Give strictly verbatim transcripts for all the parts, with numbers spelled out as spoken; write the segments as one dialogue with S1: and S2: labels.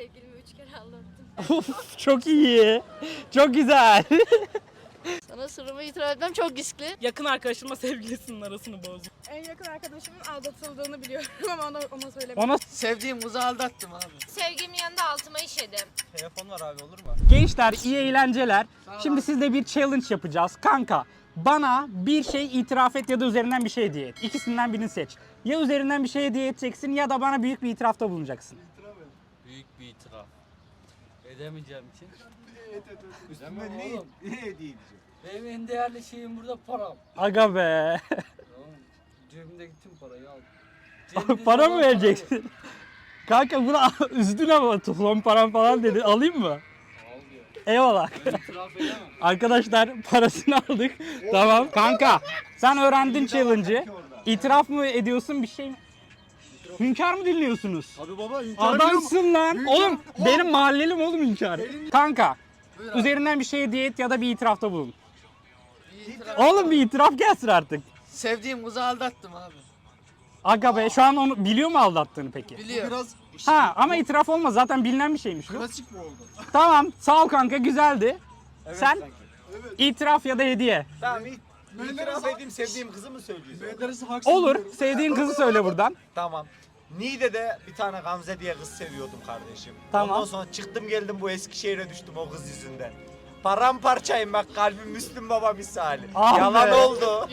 S1: Sevgilimi üç kere aldattım.
S2: Of, çok iyi. Çok güzel.
S1: Sana sırrımı itiraf etmem çok riskli.
S3: Yakın arkadaşımla sevgilisinin arasını bozdum.
S4: En yakın arkadaşımın aldatıldığını biliyorum ama ona, ona söylemedim.
S2: Ona
S5: Sevdiğim kızı aldattım abi.
S1: Sevgilimin yanında altıma işedim.
S5: Telefon var abi, olur mu?
S2: gençler iyi eğlenceler. Şimdi sizle bir challenge yapacağız. Kanka bana bir şey itiraf et ya da üzerinden bir şey hediye et. İkisinden birini seç. Ya üzerinden bir şey hediye edeceksin ya da bana büyük bir itirafta bulunacaksın.
S5: Büyük bir itiraf. Edemeyeceğim için.
S6: Üstüme ne, ne hediye edeceğim?
S5: Benim en değerli şeyim burada param.
S2: Aga be.
S5: Oğlum, cebimdeki tüm parayı al. Cebimde
S2: Para mı
S5: olan
S2: vereceksin? Kanka bunu üzdün ama son param falan dedi. Alayım mı?
S5: parayı al diyor.
S2: Eyvallah.
S5: Ben itiraf edemem.
S2: Arkadaşlar parasını aldık. Tamam. Kanka sen öğrendin challenge'ı. İtiraf mı ediyorsun bir şey mi? Hünkar mı dinliyorsunuz?
S6: Abi baba
S2: Adamsın lan. Oğlum benim mahallelim oğlum Hünkar. Kanka üzerinden bir şey hediye et ya da bir itirafta bulun.
S5: Bir itiraf.
S2: Oğlum bir itiraf gelsin artık.
S5: Sevdiğim kızı aldattım abi.
S2: Aga be şu an onu biliyor mu aldattığını peki?
S5: Biliyor.
S6: Biraz
S2: Ha ama itiraf olmaz zaten bilinen bir şeymiş bu.
S6: klasik mi oldu?
S2: Tamam sağ ol kanka güzeldi.
S6: Evet,
S2: Sen
S6: sanki. Evet.
S2: itiraf ya da hediye.
S7: Tamam, it- itiraf edeyim, sevdiğim kızı mı söylüyorsun?
S6: Menderes'i haksız
S2: Olur
S6: buluyorum.
S2: sevdiğin kızı söyle buradan.
S7: Tamam. Niğde'de bir tane Gamze diye kız seviyordum kardeşim.
S2: Tamam.
S7: Ondan sonra çıktım geldim bu Eskişehir'e düştüm o kız yüzünden. Paramparçayım bak, kalbim Müslüm Baba misali.
S2: Ah
S7: Yalan
S2: be.
S7: oldu.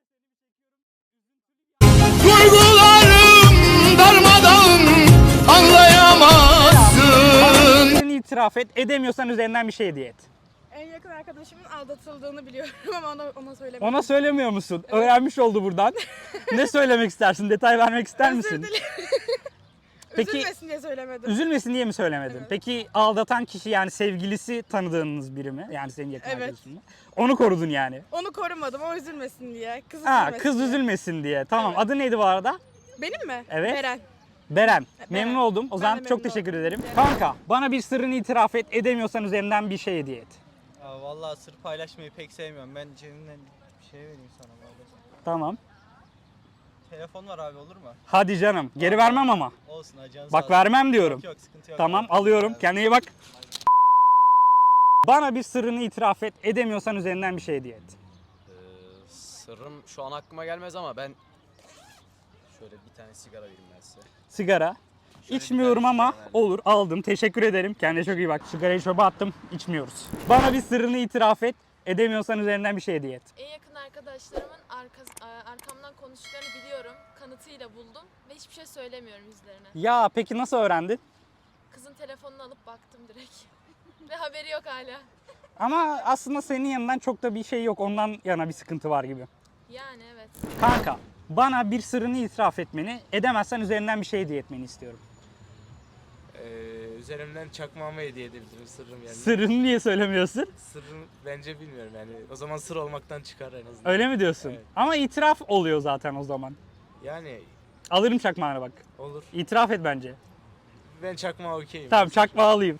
S2: Bana itiraf et edemiyorsan üzerinden bir şey hediye et.
S4: En yakın arkadaşımın aldatıldığını biliyorum ama ona, ona söylemedim.
S2: Ona söylemiyor musun? Öğrenmiş oldu buradan. Ne söylemek istersin? Detay vermek ister
S4: Özür
S2: misin?
S4: dilerim.
S2: Peki-
S4: Üzülmesin diye söylemedim.
S2: Üzülmesin diye mi söylemedin?
S4: Evet.
S2: Peki aldatan kişi yani sevgilisi tanıdığınız biri mi? Yani senin yakın
S4: Evet.
S2: arkadaşın mı? Onu korudun yani.
S4: Onu korumadım, o üzülmesin diye. Kız
S2: Ha
S4: üzülmesin
S2: kız
S4: diye.
S2: üzülmesin diye. Tamam
S4: Evet.
S2: adı neydi bu arada?
S4: Benim mi?
S2: Evet.
S4: Beren.
S2: Beren.
S4: Beren.
S2: Memnun oldum. O
S4: Ben
S2: zaman
S4: de
S2: çok
S4: memnun
S2: teşekkür
S4: oldum.
S2: ederim.
S4: Beren.
S2: Kanka bana bir sırrını itiraf et. Edemiyorsan üzerinden bir şey hediye et.
S7: Ya vallahi sır paylaşmayı pek sevmiyorum. Ben cebimden bir şey vereyim sana vallahi.
S2: Tamam.
S7: Telefon var abi, olur mu?
S2: Hadi canım. Geri vermem ama.
S7: Olsun ajan.
S2: Bak vermem diyorum.
S7: Yok yok, sıkıntı yok.
S2: Tamam
S7: Abi.
S2: alıyorum.
S7: Abi.
S2: Kendine iyi bak. Bana bir sırrını itiraf et. Edemiyorsan üzerinden bir şey hediye et.
S8: Ee, sırrım şu an aklıma gelmez ama ben şöyle bir tane sigara vereyim ben size.
S2: Sigara.
S8: Şöyle
S2: İçmiyorum
S8: bir tane
S2: ama
S8: sigara verdim.
S2: olur aldım. Teşekkür ederim. Kendine çok iyi bak. Sigarayı çöpe attım. İçmiyoruz. Bana bir sırrını itiraf et. Edemiyorsan üzerinden bir şey hediye et.
S1: En yakın arkadaşlarımın arkas, arkamdan konuştuklarını biliyorum. Kanıtıyla buldum ve hiçbir şey söylemiyorum yüzlerine.
S2: Ya peki nasıl öğrendin?
S1: Kızın telefonunu alıp baktım direkt. Ve haberi yok hala.
S2: Ama aslında senin yanından çok da bir şey yok. Ondan yana bir sıkıntı var gibi.
S1: Yani evet.
S2: Kanka bana bir sırrını itiraf etmeni, edemezsen üzerinden bir şey hediye etmeni istiyorum.
S8: Ee, üzerimden çakmağımı hediye edebilirim sırrım yani.
S2: Sırrını niye söylemiyorsun?
S8: Sırrım bence bilmiyorum yani. O zaman sır olmaktan çıkar en azından.
S2: Öyle mi diyorsun?
S8: Evet.
S2: Ama itiraf oluyor zaten o zaman.
S8: Yani
S2: Alırım çakmağını bak.
S8: olur.
S2: İtiraf et bence.
S8: Ben çakmağa okeyim.
S2: Tamam çakmağı alayım.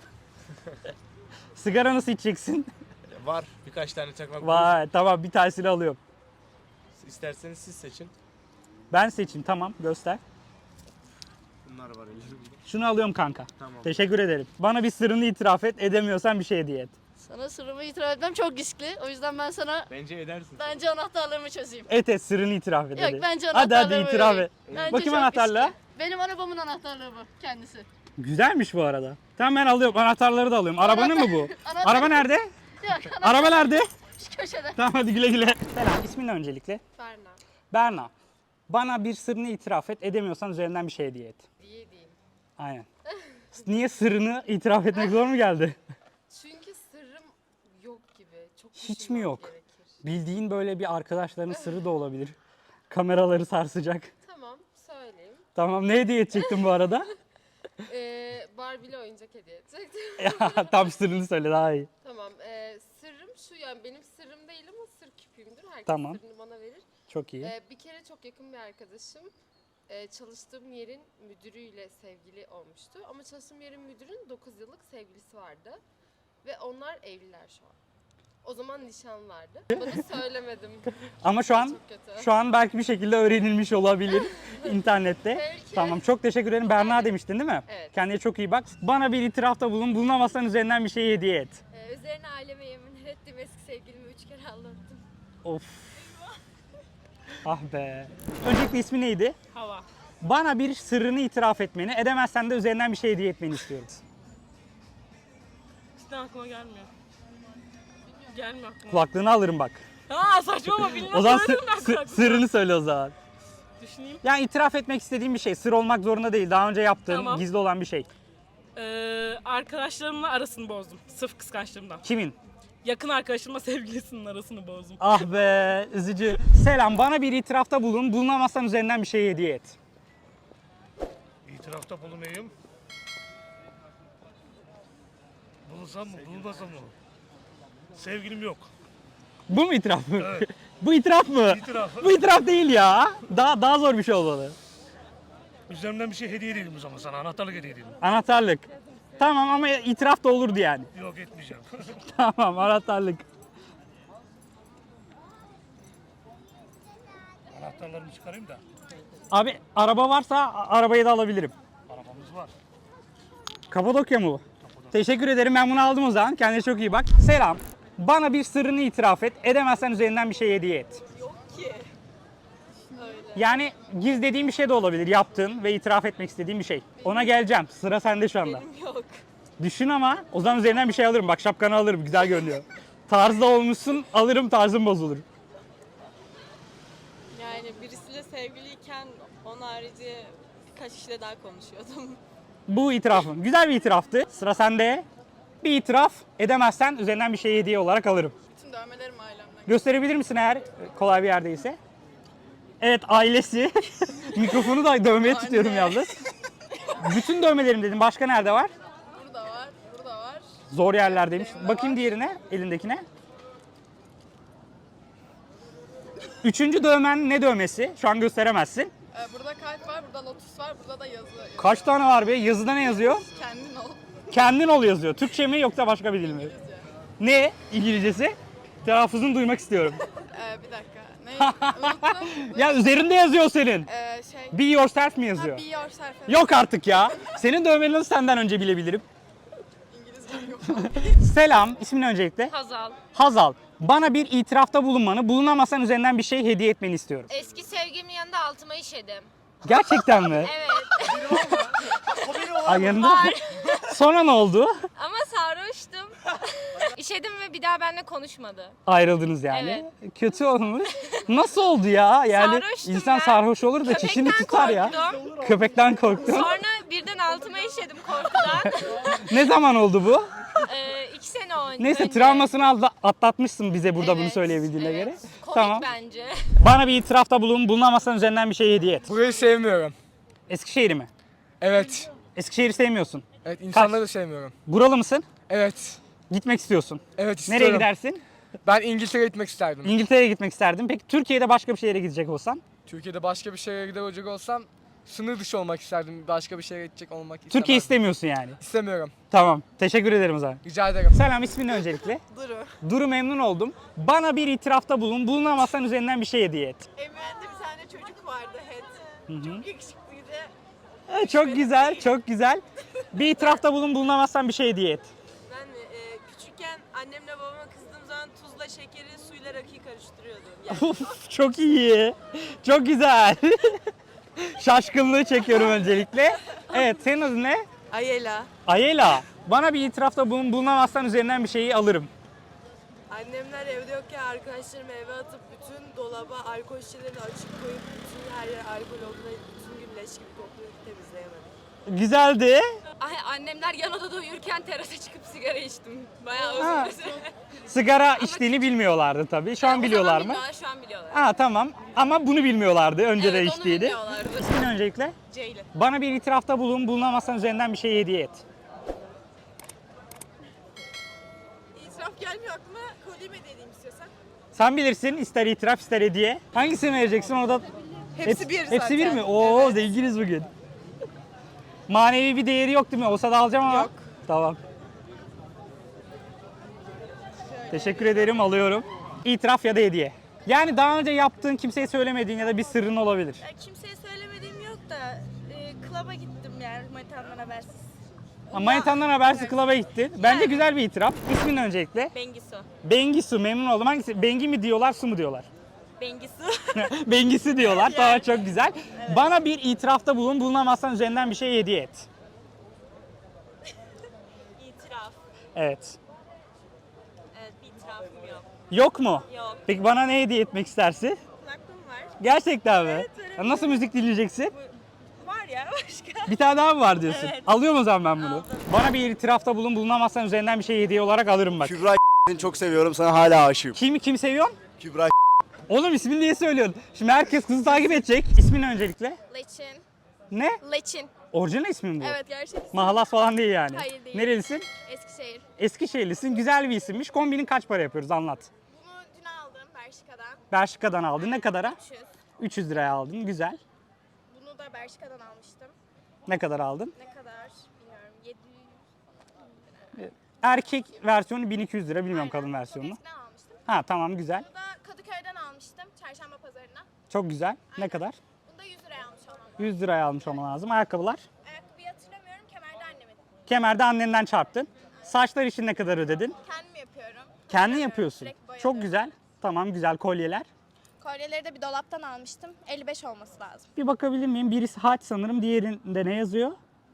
S2: Sigara nasıl içeceksin?
S8: Var birkaç tane çakmak.
S2: Vay tamam bir tanesini alıyorum.
S8: buluruz. İsterseniz siz seçin.
S2: Ben seçeyim tamam göster.
S8: Bunlar var elimde.
S2: Şunu alıyorum kanka.
S8: Tamam.
S2: Teşekkür ederim. Bana bir sırrını itiraf et. Edemiyorsan bir şey hediye et.
S1: Sana sırrımı itiraf etmem çok riskli. O yüzden ben sana
S8: Bence edersin.
S1: bence anahtarlarımı çözeyim.
S2: Et et sırrını itiraf et
S1: Yok
S2: hadi.
S1: bence
S2: Hadi hadi
S1: anahtarlarımı
S2: itiraf
S1: vereyim.
S2: et.
S1: Bence
S2: Bakayım
S1: çok
S2: anahtarlığa.
S1: riskli. Benim arabamın anahtarlığı bu kendisi.
S2: Güzelmiş bu arada. Tamam ben alıyorum. Anahtarları da alıyorum. Arabanın mı bu?
S1: Anahtar-
S2: Araba nerede?
S1: Yok
S2: Araba nerede?
S1: şu köşede.
S2: Tamam hadi güle güle. Selam. İsmin ne öncelikle?
S1: Berna.
S2: Berna. Bana bir sırrını itiraf et. Edemiyorsan üzerinden bir şey hediye et.
S1: Diye diyeyim.
S2: Aynen. Niye sırrını itiraf etmek zor mu geldi?
S1: Çünkü sırrım yok gibi. Çok
S2: Hiç mi
S1: düşünmem
S2: yok?
S1: gerekir.
S2: Bildiğin böyle bir arkadaşlarının sırrı da olabilir. Kameraları sarsacak.
S1: Tamam söyleyeyim.
S2: Tamam ne hediye edecektin bu arada?
S1: Ee, Barbie'li oyuncak hediye edecektim.
S2: Ya, tam sırrını söyle daha iyi.
S1: Tamam. ee, sırrım şu, yani benim sırrım değil ama sır küpüğümdür. Herkes
S2: Tamam.
S1: sırrını bana verir.
S2: Çok iyi.
S1: Ee, bir kere çok yakın bir arkadaşım ee, çalıştığım yerin müdürüyle sevgili olmuştu. Ama çalıştığım yerin müdürün dokuz yıllık sevgilisi vardı. Ve onlar evliler şu an. O zaman nişan vardı. Bunu söylemedim.
S2: Ama şu an
S1: Çok kötü.
S2: şu an belki bir şekilde öğrenilmiş olabilir internette.
S1: Belki.
S2: Tamam, çok teşekkür ederim. Berna demiştin değil mi?
S1: Evet.
S2: Kendine çok iyi bak. Bana bir itirafta bulun. Bulunamazsan üzerinden bir şey hediye et.
S1: Ee, üzerine aileme yemin ettim, eski sevgilimi üç kere aldattım.
S2: Of. Ah be. Öncelikle ismi neydi?
S3: Hava.
S2: Bana bir sırrını itiraf etmeni, edemezsen de üzerinden bir şey hediye etmeni istiyorum.
S3: Cidden aklıma gelmiyor. Gelmiyor aklıma.
S2: Kulaklığını alırım bak.
S3: Ha saçmalama bilmem.
S2: O zaman
S3: Söylerim ben
S2: sı- sı-
S3: kulaklıkla.
S2: sırrını söyle o zaman.
S3: Düşüneyim.
S2: Yani itiraf etmek istediğim bir şey. Sır olmak zorunda değil. Daha önce yaptığın,
S3: Tamam.
S2: gizli olan bir şey.
S3: Ee, arkadaşlarımla arasını bozdum. Sırf kıskançlığımdan.
S2: Kimin?
S3: Yakın arkadaşımla sevgilisinin arasını bozdum.
S2: Ah be, üzücü. Selam, bana bir itirafta bulun. Bulunamazsan üzerinden bir şey hediye et.
S9: İtirafta bulunayım. Bulunsam mı, bulunmasam mı? Sevgilim yok.
S2: Bu mu itiraf mı?
S9: Evet.
S2: Bu itiraf mı?
S9: İtiraf.
S2: Bu itiraf değil ya. Daha daha zor bir şey olmalı.
S9: Üzerimden bir şey hediye edelim o zaman sana. Anahtarlık hediye edelim.
S2: Anahtarlık. Tamam ama itiraf da olurdu yani.
S9: Yok etmeyeceğim.
S2: Tamam, anahtarlık.
S9: Anahtarlarımı çıkarayım da.
S2: Abi araba varsa a- arabayı da alabilirim.
S9: Arabamız var.
S2: Kapadokya mı bu? Teşekkür ederim, ben bunu aldım o zaman. Kendine çok iyi bak. Selam. Bana bir sırrını itiraf et. Edemezsen üzerinden bir şey hediye et.
S1: Yok ki. Öyle.
S2: Yani gizlediğin bir şey de olabilir. Yaptığın ve itiraf etmek istediğin bir şey. Ona geleceğim. Sıra sende şu anda.
S1: Benim yok.
S2: Düşün ama o zaman üzerinden bir şey alırım. Bak şapkanı alırım. Güzel görünüyor. Tarzda olmuşsun. Alırım, tarzın bozulur.
S10: Yani birisiyle sevgiliyken onun harici birkaç kişiyle daha konuşuyordum.
S2: Bu itirafın. Güzel bir itiraftı. Sıra sende. Bir itiraf edemezsen üzerinden bir şey hediye olarak alırım.
S4: Bütün dövmelerim ailemden.
S2: Gösterebilir misin eğer kolay bir yerdeyse? Evet, ailesi. Mikrofonu da dövmeye tutuyorum yalnız. Bütün dövmelerim dedim. Başka nerede var?
S4: Burada var, burada var.
S2: Zor yerlerdeymiş.
S4: Elimde
S2: Bakayım
S4: var.
S2: diğerine, elindekine. Üçüncü dövmen ne dövmesi? Şu an gösteremezsin.
S4: Ee, burada kalp var, burada lotus var, burada da yazı.
S2: Kaç tane var be? Yazıda ne yazıyor?
S4: Kendin ol.
S2: Kendin ol yazıyor. Türkçe mi yoksa başka bir dil mi? Ne İngilizcesi? Telaffuzunu duymak istiyorum.
S4: Ee, bir dakika. Ne? Unuttum.
S2: Ya üzerinde yazıyor senin.
S4: Ee, şey.
S2: Be yourself mi
S4: Ha,
S2: yazıyor?
S4: be yourself. Evet.
S2: Yok artık ya. Senin dövmeni nasıl senden önce bilebilirim?
S4: İngilizcem yok.
S2: Selam, ismin öncelikle?
S10: Hazal.
S2: Hazal. Bana bir itirafta bulunmanı, bulunamazsan üzerinden bir şey hediye etmeni istiyorum.
S10: Eski sevgilimin yanında altıma işedim.
S2: Gerçekten mi?
S10: Evet.
S2: Ay yanında. Sonra ne oldu?
S10: Ama sarhoştum. İşedim ve bir daha benimle konuşmadı.
S2: Ayrıldınız yani. Kötü olmuş. Nasıl oldu ya? Yani
S10: Sarhoştum
S2: insan
S10: ben.
S2: sarhoş olur da çişini
S10: Köpekten
S2: tutar ya.
S10: korktum.
S2: Köpekten korktum.
S10: Sonra birden altıma işedim korkudan.
S2: Ne zaman oldu bu?
S10: Ee, iki sene önce.
S2: Neyse, travmasını atla- atlatmışsın bize burada bunu
S10: Evet,
S2: söyleyebildiğine
S10: evet.
S2: göre.
S10: Komik
S2: Tamam.
S10: bence.
S2: Bana bir itirafta bulun, bulunamazsan üzerinden bir şey hediye et.
S11: Burayı sevmiyorum.
S2: Eskişehir'i mi?
S11: Evet.
S2: Eskişehir'i sevmiyorsun.
S11: Evet, insanları da sevmiyorum.
S2: Buralı mısın?
S11: Evet.
S2: Gitmek istiyorsun.
S11: Evet istiyorum.
S2: Nereye gidersin?
S11: Ben İngiltere'ye gitmek isterdim.
S2: İngiltere'ye gitmek isterdim. Peki Türkiye'de başka bir şehre gidecek olsan?
S11: Türkiye'de başka bir şehre gidecek olsam sınır dışı olmak isterdim. Başka bir şehre gidecek olmak istemem.
S2: Türkiye istemiyorsun yani.
S11: İstemiyorum.
S2: Tamam. Teşekkür ederim o zaman.
S11: Rica ederim.
S2: Selam, ismin öncelikle?
S4: Duru.
S2: Duru, memnun oldum. Bana bir itirafta bulun. Bulunamazsan üzerinden bir şey hediye et.
S4: Emirhan'da bir tane çocuk vardı Head.
S2: Hı hı.
S4: Çok yakışıklıydı.
S2: Evet, çok güzel, çok güzel. Bir itirafta bulun, bulunamazsan bir şey hediye et.
S10: Ben e, küçükken annemle babama kızdığım zaman tuzla şekeri suyla rakıyı karıştırıyordum.
S2: Of, çok iyi. Çok güzel. Şaşkınlığı çekiyorum öncelikle. Evet, senin adın ne?
S10: Ayela.
S2: Ayela. Bana bir itirafta bulun, bulunamazsan üzerinden bir şeyi alırım.
S10: Annemler evde yokken arkadaşlarımı eve atıp bütün dolaba alkol şişelerini açık koyup bütün her yer alkol olduğunda bütün gün leş gibi koklayıp temizleyemedim.
S2: Güzeldi.
S10: Ay, annemler yan odada uyurken terasa çıkıp sigara içtim. Bayağı
S2: Ha.
S10: özür dilerim.
S2: Sigara içtiğini bilmiyorlardı tabii. Şu an biliyorlar mı?
S10: Bilmiyorlar, şu an biliyorlar.
S2: Ha tamam. Ama bunu bilmiyorlardı. Önce de
S10: Evet, onu
S2: içtiğini.
S10: bilmiyorlardı.
S2: İsmin öncelikle?
S10: Ceylin.
S2: Bana bir itirafta bulun, bulunamazsan üzerinden bir şey hediye et.
S4: İtiraf gelmiyor aklıma. Kolye mi dediğim istiyorsan?
S2: Sen bilirsin, ister itiraf ister hediye. Hangisini vereceksin orada?
S4: Hepsi bir zaten.
S2: Hepsi bir mi? Oo,
S4: Evet.
S2: zenginiz bugün. Manevi bir değeri yok değil mi? Olsa da alacağım ama.
S4: Yok.
S2: Tamam. Teşekkür ederim, alıyorum. İtiraf ya da hediye. Yani daha önce yaptığın, kimseye söylemediğin ya da bir sırrın olabilir.
S4: Ya kimseye söylemediğim yok da e, klaba gittim yani manitamdan habersiz.
S2: Manitandan habersiz klaba gitti. Bence güzel bir itiraf. İsmin öncelikle?
S4: Bengisu.
S2: Bengisu, memnun oldum. Hangisi? Bengi mi diyorlar, su mu diyorlar?
S4: Bengisu.
S2: Bengisi diyorlar. Tamam, çok güzel. Bana bir itirafta bulun. Bulunamazsan üzerinden bir şey hediye et.
S4: İtiraf.
S2: Evet.
S4: Evet bir itirafım yok.
S2: Yok mu?
S4: Yok.
S2: Peki bana ne hediye etmek istersin?
S4: Kulaklığım var.
S2: Gerçekten mi?
S4: Evet, verebilirim.
S2: Ya nasıl müzik dinleyeceksin?
S4: Var ya başka.
S2: Bir tane daha mı var diyorsun?
S4: Evet.
S2: Alıyorum o zaman ben bunu.
S4: Aldım.
S2: Bana bir itirafta bulun. Bulunamazsan üzerinden bir şey hediye olarak alırım bak.
S6: Kübra seni çok seviyorum. Sana hala aşığım.
S2: Kim kim seviyorsun?
S6: Kübra
S2: Oğlum ismini niye söylüyorsun? Şimdi herkes kızı takip edecek. İsmin öncelikle?
S1: Leçin.
S2: Ne?
S1: Leçin.
S2: Orijinal ismin bu.
S1: Evet gerçekten.
S2: Mahalas falan değil yani.
S1: Hayır, değil.
S2: Nerelisin?
S1: Eskişehir.
S2: Eskişehirlisin. Güzel bir isimmiş. Kombinin kaç para yapıyoruz anlat.
S1: Bunu dün aldım Bershka'dan.
S2: Bershka'dan aldın. Ne kadara?
S1: üç yüz.
S2: üç yüz liraya aldın. Güzel.
S1: Bunu da Bershka'dan almıştım.
S2: Ne kadar aldın?
S1: Ne kadar bilmiyorum. yedi yüz.
S2: Erkek versiyonu bin iki yüz lira. Bilmiyorum
S1: Aynen.
S2: kadın
S1: Çok
S2: versiyonunu.
S1: eskiden almıştım.
S2: Ha tamam, güzel.
S1: Bunu da Kadıköy'den almıştım. Çarşamba pazarına.
S2: Çok güzel. Ne
S1: Aynen.
S2: kadar?
S1: Bunu da yüz liraya almış olmam.
S2: yüz liraya almış olman lazım. Ayakkabılar?
S1: Ayakkabıyı hatırlamıyorum. Kemerde annemin.
S2: Kemerde annenden çarptın. Saçlar için ne kadar ödedin?
S1: Kendim yapıyorum.
S2: Kendin yapıyorsun.
S1: Direkt boyadım.
S2: Çok güzel. Tamam, güzel kolyeler.
S1: Kolyeleri de bir dolaptan almıştım. elli beş olması lazım.
S2: Bir bakabilir miyim? Birisi haç sanırım. Diğerinde ne yazıyor?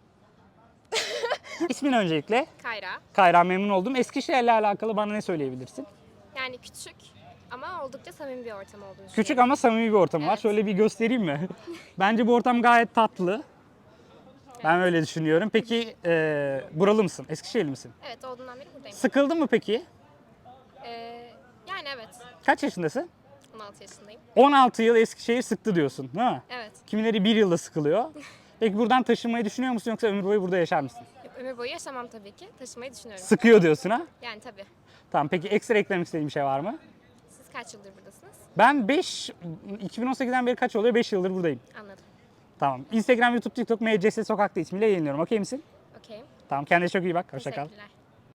S2: İsmin öncelikle?
S1: Kayra.
S2: Kayra, memnun oldum. Eskişehir'le alakalı bana ne söyleyebilirsin?
S1: Yani küçük ama oldukça samimi bir ortam olduğunu
S2: Küçük ama samimi bir ortam var.
S1: Evet.
S2: Şöyle bir göstereyim mi? Bence bu ortam gayet tatlı. Ben öyle düşünüyorum. Peki e, buralı mısın? Eskişehirli misin?
S1: Evet olduğundan beri buradayım.
S2: Sıkıldın mı peki?
S1: Ee, yani evet.
S2: Kaç yaşındasın?
S1: on altı yaşındayım.
S2: on altı yıl Eskişehir sıktı diyorsun, değil mi?
S1: Evet.
S2: Kimileri bir yılda sıkılıyor. Peki buradan taşınmayı düşünüyor musun yoksa ömür boyu burada yaşar mısın?
S1: Ömür boyu yaşamam tabii ki. Taşımayı düşünüyorum.
S2: Sıkıyor diyorsun ha?
S1: Yani tabii.
S2: Tamam, peki ekstra eklemek istediğin bir şey var mı?
S1: Siz kaç yıldır buradasınız?
S2: Ben beş, iki bin on sekizden beri kaç oluyor? beş yıldır buradayım.
S1: Anladım.
S2: Tamam. Instagram, YouTube, TikTok, M C S Sokak'ta ismiyle yayınlıyorum. Okey misin?
S1: Okey.
S2: Tamam, kendine çok iyi bak. Hoşça kal.
S1: Teşekkürler.